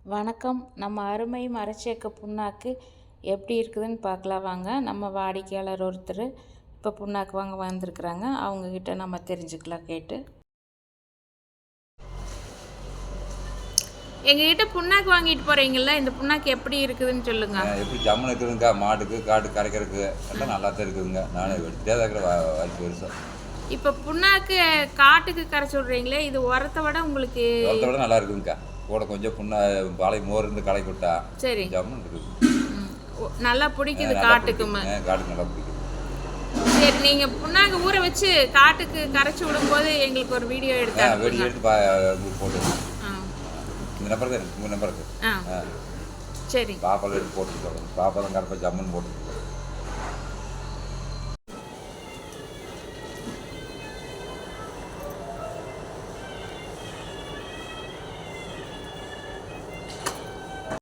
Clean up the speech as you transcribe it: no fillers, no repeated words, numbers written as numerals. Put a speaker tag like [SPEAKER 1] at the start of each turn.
[SPEAKER 1] வணக்கம். நம்ம அருமை மரச்சேக்கு புண்ணாக்கு எப்படி இருக்குதுன்னு பார்க்கலாம் வாங்க. நம்ம வாடிக்கையாளர் ஒருத்தர் இப்போ புண்ணாக்கு வாங்க வந்திருக்குறாங்க. அவங்கக்கிட்ட நம்ம தெரிஞ்சுக்கலாம் கேட்டு. எங்ககிட்ட புண்ணாக்கு வாங்கிட்டு போகிறீங்களா? இந்த புண்ணாக்கு எப்படி இருக்குதுன்னு சொல்லுங்க.
[SPEAKER 2] எப்படி ஜம்முன்னு இருக்குதுங்க. மாட்டுக்கு காட்டு கரைக்கிறதுக்கு எல்லாம் நல்லா தான் இருக்குதுங்க. நானே எடுத்துகிட்டே தான் இருக்கிற வாய்ப்பு பெருசாக.
[SPEAKER 1] இப்போ புண்ணாக்கு காட்டுக்கு கரைச்சி விட்றீங்களே, இது உரத்தை விட உங்களுக்கு
[SPEAKER 2] உரத்தை விட நல்லா இருக்குதுங்க. கூட கொஞ்சம் பாலை மோர் இருந்து களை விட்டா
[SPEAKER 1] சரி
[SPEAKER 2] ஜம்முன்னு இருக்குது.
[SPEAKER 1] நல்லா பிடிக்குது காட்டுக்குமே.
[SPEAKER 2] காட்டுக்கு நல்லா பிடிக்குது.
[SPEAKER 1] சரி, நீங்கள் புண்ணாக்கு ஊற வச்சு காட்டுக்கு கரைச்சி விடும்போது எங்களுக்கு ஒரு வீடியோ
[SPEAKER 2] எடுத்து போட்டு இந்த நம்பர் தான் இருக்குது. உங்கள் நம்பர் இருக்குது.
[SPEAKER 1] சரி,
[SPEAKER 2] பாப்பாவில் எடுத்து போட்டு பாப்பா தான் கரெக்டாக ஜம்முன்னு போட்டு